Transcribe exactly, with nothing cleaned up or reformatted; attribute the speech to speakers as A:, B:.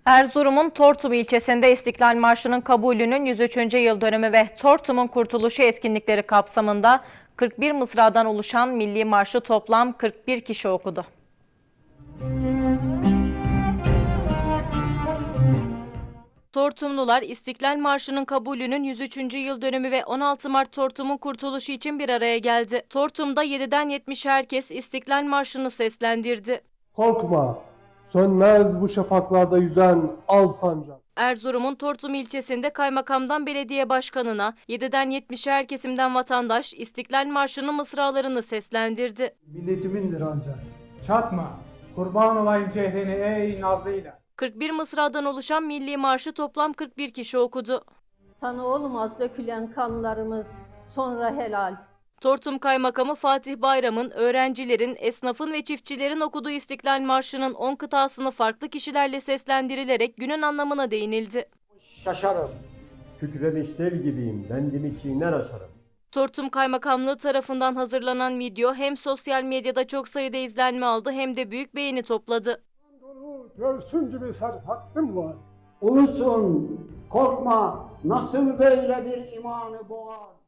A: Erzurum'un Tortum ilçesinde İstiklal Marşı'nın kabulünün yüz üçüncü yıl dönümü ve Tortum'un kurtuluşu etkinlikleri kapsamında kırk bir mısradan oluşan Milli Marşı toplam kırk bir kişi okudu. Tortumlular İstiklal Marşı'nın kabulünün yüz üçüncü yıl dönümü ve on altı Mart Tortum'un kurtuluşu için bir araya geldi. Tortum'da yediden yetmişe herkes İstiklal Marşı'nı seslendirdi.
B: Korkma, sönmez bu şafaklarda yüzen al sancak.
A: Erzurum'un Tortum ilçesinde kaymakamdan belediye başkanına, yediden yetmişe her kesimden vatandaş İstiklal Marşı'nın mısralarını seslendirdi.
C: Milletimindir ancak. Çatma, kurban olayım cehrine ey nazlı ilah.
A: kırk bir mısradan oluşan Milli Marşı toplam kırk bir kişi okudu.
D: Sana olmaz dökülen kanlarımız, sonra helal.
A: Tortum Kaymakamı Fatih Bayram'ın öğrencilerin, esnafın ve çiftçilerin okuduğu İstiklal Marşı'nın on kıtasını farklı kişilerle seslendirilerek günün anlamına değinildi.
E: Şaşarım, kükremiş sel gibiyim, bendimi çiğner aşarım.
A: Tortum Kaymakamlığı tarafından hazırlanan video hem sosyal medyada çok sayıda izlenme aldı hem de büyük beğeni topladı.
B: Görsün gibi serhattım var.
E: Ulusun, korkma, nasıl böyle bir imanı boğar?